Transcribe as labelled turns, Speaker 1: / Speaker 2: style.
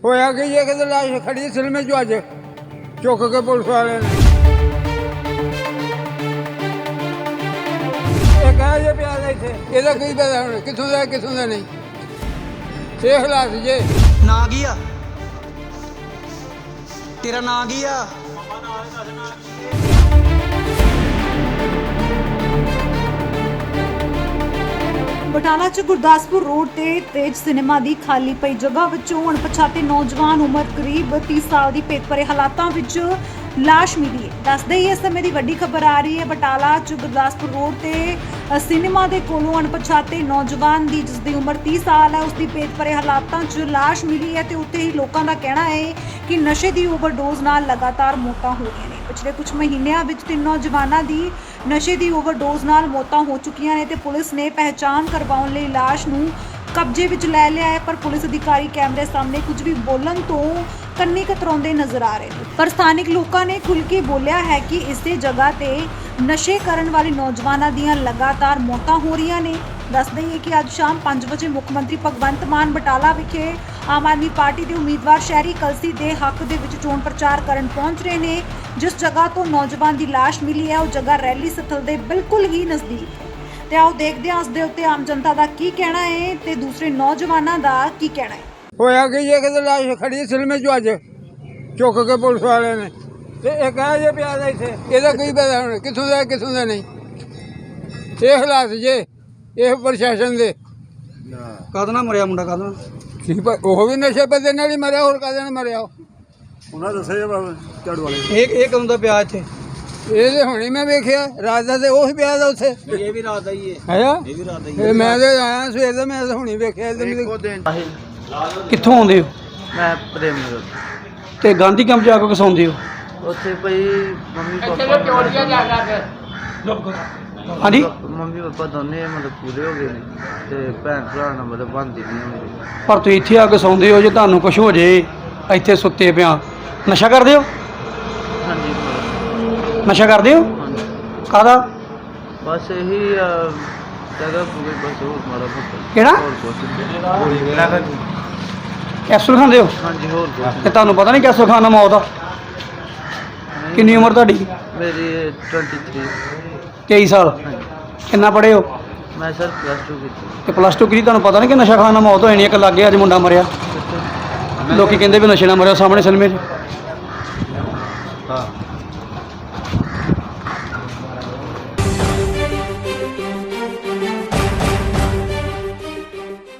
Speaker 1: ਹੋਇਆ ਕਿ ਇਹ ਕਿਤੇ ਲਾਸ਼ ਖੜੀ ਸਿਲਮੇ ਚੋਂ ਅੱਜ ਚੁੱਕ ਕੇ ਪੁਲਿਸ ਵਾਲਿਆਂ ਨੇ ਇਹ ਕਹਾ ਜੇ ਪਿਆ ਦਾ ਇੱਥੇ ਇਹਦਾ ਕੀ ਪਤਾ ਹੁਣ ਕਿੱਥੋਂ ਦਾ ਨਹੀਂ ਇਹ ਹਾਲਾਤ ਜੇ
Speaker 2: ਨਾਂ ਕੀ ਆ ਤੇਰਾ ਨਾਂ ਕੀ ਆ?
Speaker 3: ਬਟਾਲਾ 'ਚ ਗੁਰਦਾਸਪੁਰ ਰੋਡ ਤੇ ਤੇਜ ਸਿਨੇਮਾ ਦੀ ਖਾਲੀ ਪਈ ਜਗ੍ਹਾ ਵਿੱਚੋਂ ਅਣਪਛਾਤੇ ਨੌਜਵਾਨ ਉਮਰ ਕਰੀਬ 30 ਸਾਲ ਦੀ ਭੇਤ ਭਰੇ ਹਾਲਾਤਾਂ ਵਿੱਚ ਲਾਸ਼ ਮਿਲੀ ਹੈ। ਦੱਸਦੇ ਹੀ ਇਸ ਸਮੇਂ ਦੀ ਵੱਡੀ ਖਬਰ ਆ ਰਹੀ ਹੈ ਬਟਾਲਾ 'ਚ ਗੁਰਦਾਸਪੁਰ ਰੋਡ ਤੇ ਸਿਨੇਮਾ ਦੇ ਕੋਲੋਂ ਅਣਪਛਾਤੇ ਨੌਜਵਾਨ ਦੀ ਜਿਸ ਦੀ ਉਮਰ 30 ਸਾਲ ਹੈ ਉਸ ਦੀ ਭੇਤ ਭਰੇ ਹਾਲਾਤਾਂ 'ਚ ਲਾਸ਼ ਮਿਲੀ ਹੈ ਤੇ ਉੱਥੇ ਹੀ ਲੋਕਾਂ ਦਾ ਕਹਿਣਾ ਹੈ ਕਿ ਨਸ਼ੇ ਦੀ ਓਵਰਡੋਜ਼ ਨਾਲ ਲਗਾਤਾਰ ਮੌਤਾਂ ਹੋ ਰਹੀਆਂ ਨੇ। ਪਿਛਲੇ ਕੁਝ ਮਹੀਨਿਆਂ ਵਿੱਚ 3 ਨੌਜਵਾਨਾਂ ਦੀ ਨਸ਼ੇ ਦੀ ਓਵਰਡੋਜ਼ ਨਾਲ ਮੌਤਾਂ ਹੋ ਚੁੱਕੀਆਂ ਨੇ ਤੇ ਪੁਲਿਸ ਨੇ ਪਹਿਚਾਣ ਕਰਵਾਉਣ ਲਈ ਲਾਸ਼ ਨੂੰ ਕਬਜ਼ੇ ਵਿੱਚ ਲੈ ਲਿਆ ਹੈ, ਪਰ ਪੁਲਿਸ ਅਧਿਕਾਰੀ ਕੈਮਰੇ ਸਾਹਮਣੇ ਕੁਝ ਵੀ ਬੋਲਣ ਤੋਂ ਕੰਨੀ ਕਤਰਾਉਂਦੇ ਨਜ਼ਰ ਆ ਰਹੇ ਨੇ। ਪਰ ਸਥਾਨਿਕ ਲੋਕਾਂ ਨੇ ਖੁੱਲ੍ਹ ਕੇ ਬੋਲਿਆ ਹੈ ਕਿ ਇਸੇ ਜਗ੍ਹਾ ਤੇ ਨਸ਼ੇ ਕਰਨ ਵਾਲੇ ਨੌਜਵਾਨਾਂ ਦੀਆਂ ਲਗਾਤਾਰ ਮੌਤਾਂ ਹੋ ਰਹੀਆਂ ਨੇ। ਦੱਸ ਦਈਏ ਕਿ ਅੱਜ ਸ਼ਾਮ 5 ਵਜੇ ਮੁੱਖ ਮੰਤਰੀ ਭਗਵੰਤ ਮਾਨ ਬਟਾਲਾ ਵਿਖੇ ਆਮ ਆਦਮੀ ਪਾਰਟੀ ਦੇ ਉਮੀਦਵਾਰ ਸ਼ਹਿਰੀ ਕਲਸੀ ਦੇ ਹੱਕ ਦੇ ਵਿੱਚ ਚੋਣ ਪ੍ਰਚਾਰ ਕਰਨ ਪਹੁੰਚ ਰਹੇ ਨੇ। ਜਿਸ ਜਗ੍ਹਾ ਤੋਂ ਨੌਜਵਾਨ ਦੀ ਲਾਸ਼ ਮਿਲੀ ਹੈ ਉਹ ਜਗ੍ਹਾ ਰੈਲੀ ਸਥਲ ਦੇ ਬਿਲਕੁਲ ਹੀ ਨਜ਼ਦੀਕ ਹੈ। ਤੇ ਆਓ ਦੇਖਦੇ ਹਾਂ ਇਸ ਦੇ ਉੱਤੇ ਆਮ ਜਨਤਾ ਦਾ ਕੀ ਕਹਿਣਾ ਹੈ ਤੇ ਦੂਸਰੇ ਨੌਜਵਾਨਾਂ ਦਾ ਕੀ ਕਹਿਣਾ ਹੈ।
Speaker 1: ਹੋਇਆ ਕਿ ਇਹ ਕਿਤੇ ਲਾਸ਼ ਖੜੀ ਸਿਲਮੇ ਚੋਂ ਅੱਜ ਚੁੱਕ ਕੇ ਪੁਲਿਸ ਵਾਲਿਆਂ ਨੇ ਤੇ ਇਹ ਕਹਾ ਜੇ ਪਿਆ ਦਾ ਇੱਥੇ ਇਹਦਾ ਕੀ ਪਤਾ ਹੁਣ ਕਿੱਥੋਂ ਦਾ ਨਹੀਂ ਇਹ ਹਾਲਾਤ ਜੇ ਇਹ ਪ੍ਰਸ਼ਾਸਨ ਦੇ
Speaker 2: ਕਾਹਦੇ ਨਾਲ ਮਰਿਆ ਮੁੰਡਾ ਕਾਹਦੇ ਨਾਲ?
Speaker 1: ਕੀ ਉਹ ਵੀ ਨਸ਼ੇ ਪੱਤੇ ਨਾਲ ਹੀ ਮਰਿਆ ਹੋਰ ਕਾਹਦੇ ਨਾਲ ਮਰਿਆ
Speaker 4: ਉਹਨਾਂ ਦੱਸਿਆ ਝਾੜੂ ਵਾਲੇ
Speaker 2: ਇਹ ਕਦੋਂ ਦਾ ਪਿਆ ਇੱਥੇ?
Speaker 1: ਇਹ ਤੇ ਹੁਣੇ ਮੈਂ ਵੇਖਿਆ ਰਾਤ ਦਾ ਤੇ ਉਹ ਹੀ ਪਿਆ ਦਾ ਉੱਥੇ
Speaker 2: ਇਹ ਵੀ ਰਾਤ ਦਾ ਹੀ ਹੈ।
Speaker 1: ਹੈਗਾ
Speaker 2: ਇਹ ਵੀ ਰਾਤ ਦਾ ਹੀ
Speaker 1: ਇਹ ਮੈਂ ਤੇ ਆਇਆ ਸਵੇਰ ਦਾ ਮੈਂ ਤਾਂ ਹੁਣੇ ਵੇਖਿਆ
Speaker 4: ਇੱਕੋ ਦਿਨ
Speaker 2: ਕਿੱਥੋਂ ਆਉਂਦੇ ਹੋ?
Speaker 5: ਮੈਂ ਪ੍ਰੇਮ ਨਗਰ
Speaker 2: ਤੇ ਗਾਂਧੀ ਕੈਂਪ ਜਾ ਕੇ ਸੌਂਦੇ ਹੋ?
Speaker 5: ਉੱਥੇ ਭਈ ਮੰਮੀ ਪਾਪਾ ਮੰਮੀ ਪਾਪਾ ਦੋਨੇ ਮਤਲਬ ਪੂਰੇ ਹੋ ਗਏ ਨੇ ਤੇ ਭੈਣ ਭਰਾ ਨਾਲ ਮਤਲਬ ਬਣਦੀ ਨਹੀਂ ਹੁੰਦੀ।
Speaker 2: ਪਰ ਤੁਸੀਂ ਇੱਥੇ ਆ ਕੇ ਸੌਂਦੇ ਹੋ, ਜੇ ਤੁਹਾਨੂੰ ਕੁਝ ਹੋ ਜੇ ਇੱਥੇ ਸੁੱਤੇ ਪਿਆ ਨਸ਼ਾ ਕਰਦੇ ਹੋ?
Speaker 5: ਹਾਂਜੀ
Speaker 2: ਨਸ਼ਾ ਕਰਦੇ ਹੋ?
Speaker 5: ਹਾਂਜੀ
Speaker 2: ਕਾਹਦਾ?
Speaker 5: ਬਸ ਇਹੀ ਜਗ੍ਹਾ ਪੂਰੇ ਬਸ ਹੋਰ ਮਾੜਾ ਮੋਟਾ
Speaker 2: ਕਿਹੜਾ?
Speaker 5: ਹੋਰ ਕੁਛ
Speaker 2: ਕੈਪਸੂਲ ਖਾਂਦੇ ਹੋ?
Speaker 5: ਹਾਂਜੀ ਹੋਰ ਕੁਛ
Speaker 2: ਤੇ ਤੁਹਾਨੂੰ ਪਤਾ ਨਹੀਂ ਕੈਪਸੂਲ ਖਾਣ ਨਾਲ ਮੌਤ ਆ?
Speaker 5: ਨਹੀਂ।
Speaker 2: ਕਿੰਨੀ ਉਮਰ ਤੁਹਾਡੀ?
Speaker 5: ਮੇਰੀ 23
Speaker 2: 23 ਸਾਲ।
Speaker 5: ਹਾਂਜੀ
Speaker 2: ਕਿੰਨਾ ਪੜ੍ਹੇ ਹੋ?
Speaker 5: ਮੈਂ ਸਰ +2 ਕੀਤੀ
Speaker 2: ਤੇ +2 ਕੀਤੀ, ਤੁਹਾਨੂੰ ਪਤਾ ਨਹੀਂ ਕਿ ਨਸ਼ਾ ਖਾਣ ਨਾਲ ਮੌਤ ਹੋ ਜਾਣੀ? ਇੱਕ ਲੱਗੇ ਅੱਜ ਮੁੰਡਾ ਮਰਿਆ, ਲੋਕੀ ਕਹਿੰਦੇ ਵੀ ਨਸ਼ੇ ਨਾਲ ਮਰਿਆ ਸਾਹਮਣੇ ਸਿਨੇਮੇ 'ਚ।
Speaker 5: ਹਾਂ